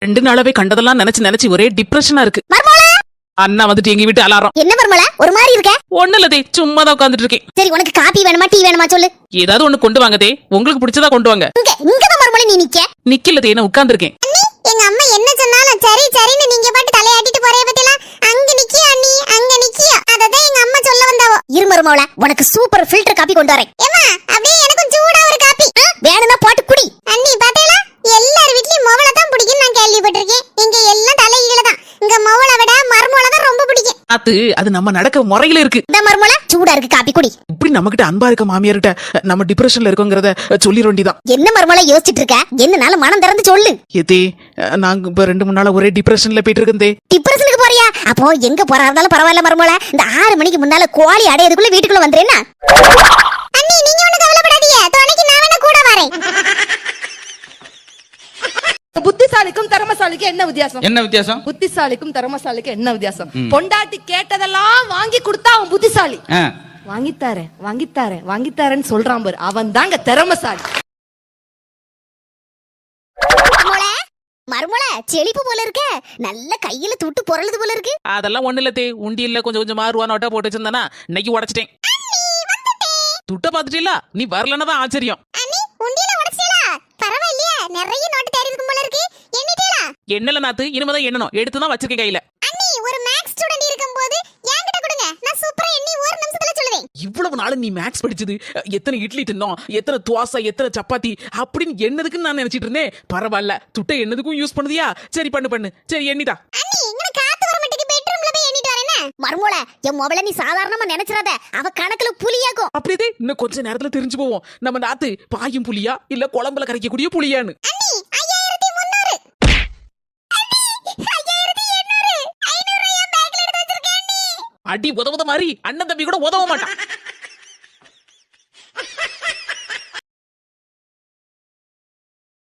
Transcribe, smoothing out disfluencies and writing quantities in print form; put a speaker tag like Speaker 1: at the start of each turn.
Speaker 1: 2 நாளாவே கண்டதெல்லாம் நினைச்சு நினைச்சு ஒரே டிப்ரெஷனா இருக்கு. அண்ணா வந்துட்டு எங்க வீட்டு அலாரம்.
Speaker 2: என்ன மர்மல ஒரு மாதிரி இருக்க?
Speaker 1: ஒண்ணு இல்லதே, சும்மா தான் உட்கார்ந்துட்டு இருக்கேன்.
Speaker 2: சரி, உனக்கு காபி வேணுமா டீ வேணுமா சொல்லு.
Speaker 1: ஏதாவது ஒண்ணு கொண்டு வாங்கதே, உங்களுக்கு பிடிச்சதா கொண்டு வாங்க.
Speaker 2: இங்க தான் மர்மல நீ நிக்க.
Speaker 1: நிக்கலதே, நான் உட்கார்ந்து இருக்கேன்.
Speaker 2: எங்க அம்மா என்ன சொன்னாலும் சரி சரின்னு நீங்க பாட்டு தலையாட்டிட்டு போறே பத்திலாம். அங்க நிக்கியா நீ, அங்க நிக்கியா. அததான் எங்க அம்மா சொல்ல வந்தாவோ. இரு மர்மல, உனக்கு சூப்பர் ஃபில்டர் காபி கொண்டு வரேன். ஏமா அப்படியே எனக்கு சூடா ஒரு காபி வேணும்னா போட்டு குடி. அண்ணி பாத்தீங்களா, எல்லார் வீட்லயும் மொவள தான் பிடிக்கும் நான் கேள்விப்பட்டிருக்கேன். இங்க எல்லாம் தலையில தான். இங்க மொவள விட மர்மல தான் ரொம்ப பிடிக்கும்.
Speaker 1: அது நம்ம நடக்க முறையில இருக்கு.
Speaker 2: இந்த மர்மல சூடா இருக்கு காபி குடி.
Speaker 1: இப்படி நம்ம கிட்ட அன்பா இருக்க மாமியார்கிட்ட நம்ம டிப்ரெஷன்ல இருக்கோங்கறத சொல்லிர வேண்டியதான்.
Speaker 2: என்ன மர்மல யோசிச்சிட்டு இருக்க? என்னனால மனம் திறந்து சொல்லு.
Speaker 1: ஏதே, நாங்க இப்ப 2-3 நாளா ஒரே டிப்ரெஷன்ல போயிட்டு இருக்கேன்.
Speaker 2: டிப்ரெஷனுக்கு போறியா? அப்போ எங்க போறா இருந்தாலும் பரவாயில்ல மர்மல. இந்த 6 மணிக்கு முன்னால கோழி அடையதுக்குள்ள வீட்டுக்குள்ள வந்துறேன்னா. அண்ணி நீங்க ஒண்ணு கவலைப்படாதீங்க, துணைக்கு நான் வேணா கூட வரேன்.
Speaker 3: புத்திசாலிக்கும் திறமசாலிக்கும் என்ன வித்தியாசம்?
Speaker 4: என்ன வித்தியாசம்?
Speaker 3: புத்திசாலிக்கும் திறமசாலிக்கும் என்ன வித்தியாசம்? பொண்டாட்டி கேட்டதெல்லாம் வாங்கி கொடுத்தா அவன் புத்திசாலி. வாங்கித்தாரேன் வாங்கித்தாரேன் வாங்கித்தாரேன்னு சொல்றான் பாரு, அவன் தாங்க திறமசாலி.
Speaker 2: மர்மல செழிப்பு போல இருக்க, நல்ல கையில துட்டு பொருளுது போல இருக்கு.
Speaker 1: அதெல்லாம் ஒண்ணு இல்லதே, உண்டியல்ல கொஞ்சம் கொஞ்சமா ரூபா நோட்டா போட்டு வச்சிருந்தானா இன்னைக்கு உடைச்சிட்டேன். துட்ட பாத்துட்டீங்களா? நீ வரலன்னா தான் ஆச்சரியம்.
Speaker 2: உண்டியல உடைச்சீங்களா? பரவாயில்லையே, நிறைய நோட்டு தேடி இருக்கும் போல இருக்கு. எண்ணிட்டீங்களா?
Speaker 1: என்னல நாத்து, இனிமேதான் எண்ணணும். எடுத்து தான் வச்சிருக்கேன் கையில.
Speaker 2: அண்ணி ஒரு மேக்ஸ் ஸ்டூடண்ட் இருக்கும்போது என்கிட்ட கொடுங்க, நான் சூப்பரா எண்ணி ஒரு நிமிஷத்துல சொல்லுவேன்.
Speaker 1: இவ்வளவு நாள் நீ மேக்ஸ் படிச்சது எத்தனை இட்லி தின்னோம், எத்தனை துவாசை, எத்தனை சப்பாத்தி அப்படின்னு என்னதுக்குன்னு நான் நினைச்சிட்டு இருந்தேன். பரவாயில்ல, துட்டை என்னதுக்கும் யூஸ் பண்ணுதியா? சரி பண்ணு. சரி எண்ணிதா.
Speaker 2: அண்ணி இங்க காத்து வர மாட்டேங்குது, பெட்ரூம்ல போய் எண்ணிட்டு வரேனே. மர்மோல, என் மொபைல நீ சாதாரணமா நினைச்சிராத, அவ கணக்குல புலியாகும்.
Speaker 1: அப்படியே இன்னும் கொஞ்ச நேரத்துல தெரிஞ்சு போவோம் நம்ம நாத்து பாயும் புலியா இல்ல குழம்புல கரைக்கக்கூடிய புலியான்னு.
Speaker 2: அண்ணி 5300.
Speaker 1: அடி உதவுத மாதிரி அண்ணன் தம்பி கூட உதவ மாட்டான்.